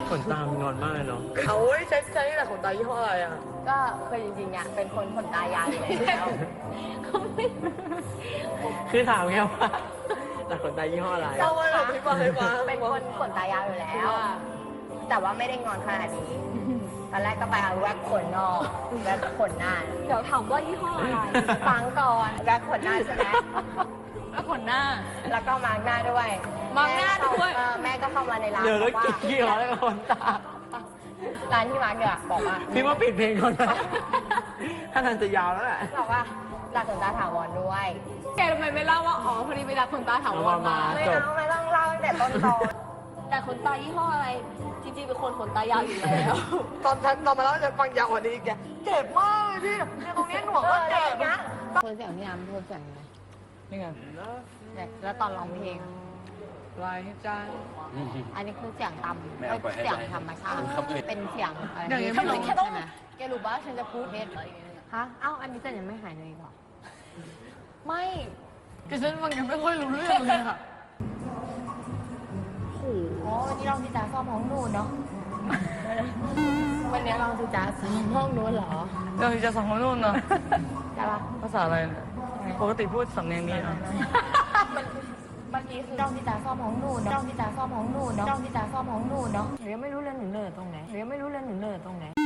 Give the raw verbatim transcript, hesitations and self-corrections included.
ขนตามงอนมากเลยเนาะเขาใช้ใช้แต่ขนตายี่ห้ออะไรอ่ะก็คือจริงๆเนี่ยเป็นคนขนตายาวอยู่แล้วเขาไม่คือถามแค่ว่าแต่ขนตายี่ห้ออะไรเอาไว้แบบพี่ฟังให้ฟังเป็นคนขนตายาวอยู่แล้ว แต่ว่าไม่ได้งอนขนาดนี้ตอนแรกก็ไปเอาแว็กขนนอกแว็กขนหน้าเดี๋ยวถามว่ายี่ห้ออะไรฟังก่อนแว็กขนหน้าใช่ไหมแล้วขนหน้าแล้วก็มาร์กหน้าด้วยมาร์กหน้าด้วยเออแม่ก็เข้ามาในร้านเดี๋ยวแล้วบอกว่ากี่ร้อยแล้วขนตาร้านที่มาร์กเนี่ยบอกว่าพี่ว่าปิดเพลงก่อนนะถ้าทางจะยาวแล้วแหละบอกว่าดัดขนตาถาวรด้วยแกทำไมไม่เล่าว่าอ๋อพอดีไปดัดขนตาถาวรมาไม่เอาไม่ต้องเล่าตั้งแต่ต้นตอนแต่ขนตายี่ห้ออะไร จริงๆเป็นคนขนตายาวอยู่แล้วตอนฉันตอนมาแล้วจะฟังยาวกว่านี้อีกแกเจ็บมากเลยพี่เนี่ยตรงนี้หนวกก็เจ็บนะโทนเสียงพี่น้ำโทนเสียงยังไงนี่ไงเนี่ยแล้วตอนร้องเพลงลายให้ใจอันนี้คือเสียงต่ำไม่เอาปล่อยให้เสียงใจธรรมชาติครับเอ้ยเป็นเสียงอะไรอย่างนี้ไม่รู้แค่ต้องใช่ไหมแกรู้ป่ะฉันจะพูดเท็จอะไรอย่างเงี้ยฮะเอ้าอันนี้จะยังไม่หายเลยอีกเหรอไม่ ก็ฉันฟังยังไม่ค่อยรู้เรื่องเลยค่ะอ๋อวันนี้ลองที่จ๋าซ่อมห้องนู่นเนาะวันนี้ลองที่จ๋าซ่อมห้องนู้นเหรอเราจะสองคนนู่นเนาะใช่ปะภาษาอะไรเนี่ยปกติพูดสำเนียงนี้เนาะเมื่อกี้คือลองที่จ๋าซ่อมห้องนู่นเนาะลองที่จ๋าซ่อมห้องนู่นเนาะลองที่จ๋าซ่อมห้องนู่นเนาะหนูยังไม่รู้เลยหนูเหนื่อยตรงไหนหนูยังไม่รู้เลยหนูเหนื่อยตรงไหน